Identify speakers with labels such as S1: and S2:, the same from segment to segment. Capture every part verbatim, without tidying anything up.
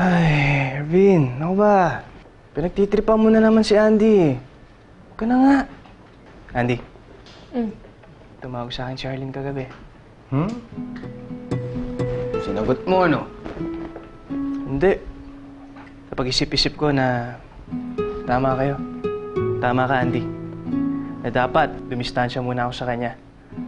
S1: Ay, Ervin, ako ba? Pinagtitripan mo na naman si Andy. Huwag ka na nga. Andy,
S2: Mm.
S1: tumawag sa akin si Arlene kagabi. Hmm? Sinagot mo, ano? Hindi. Napag-isip-isip ko na tama kayo. Tama ka, Andy. Na dapat, dumistansya muna ako sa kanya.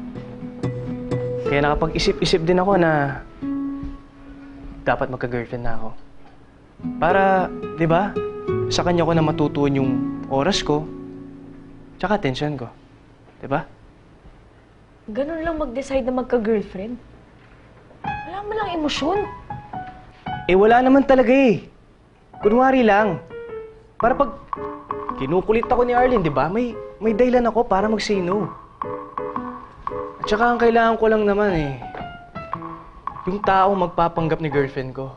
S1: Kaya nakapag-isip-isip din ako na dapat magka-girlfriend na ako. Para, di ba, sa kanya ko na matutuon yung oras ko, tsaka atensyon ko. Di ba?
S2: Ganun lang mag-decide na magka-girlfriend. Wala mo lang emosyon.
S1: Eh, wala naman talaga eh. Kunwari lang. Para pag kinukulit ako ni Arlene, di ba, may, may dahilan ako para mag-say no. At saka ang kailangan ko lang naman eh, yung taong magpapanggap ni girlfriend ko.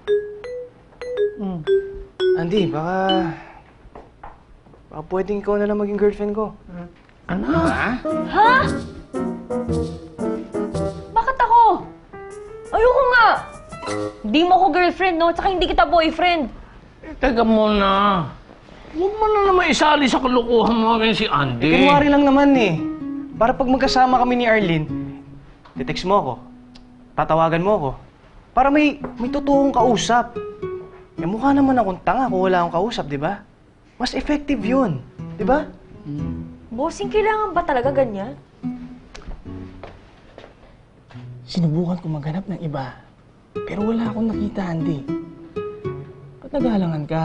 S2: Mm.
S1: Andy, baka... Baka pwedeng ikaw na lang maging girlfriend ko.
S3: Ano?
S1: Ha?
S2: Ha? Bakit ako? Ayoko nga! Hindi mo ako girlfriend, no? Tsaka hindi kita boyfriend.
S3: Eh, teka muna. Huwag mo na naman isali sa kalokohan mo rin si Andy.
S1: Eh, kunwari lang naman eh. Para pag magkasama kami ni Arlene, titext mo ako. Tatawagan mo ako. Para may, may totoong kausap. Eh, mukha naman akong tanga kung wala akong kausap, di ba? Mas effective yun. Di ba?
S2: Bossing, kailangan ba talaga ganyan?
S1: Sinubukan ko maghanap ng iba. Pero wala akong nakita, Andy. Ba't nag-aalangan ka?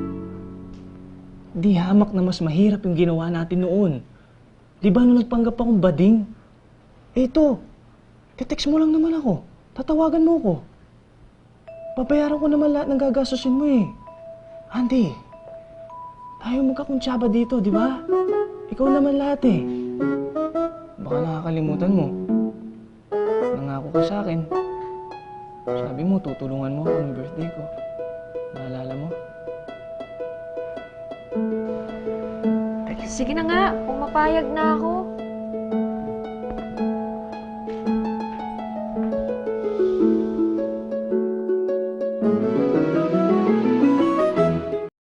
S1: Di hamak na mas mahirap yung ginawa natin noon. Di ba nung nagpanggap akong bading? Eh ito, titext mo lang naman ako. Tatawagan mo ako. Babayaran ko naman lahat ng gagastusin mo eh. Andy, tayo magkakuntsaba dito, di ba? Ikaw naman lahat eh. Baka nakakalimutan mo. Nangako ka sa akin. Sabi mo, tutulungan mo ako ng birthday ko. Naalala mo?
S2: Sige na nga, pumapayag na ako.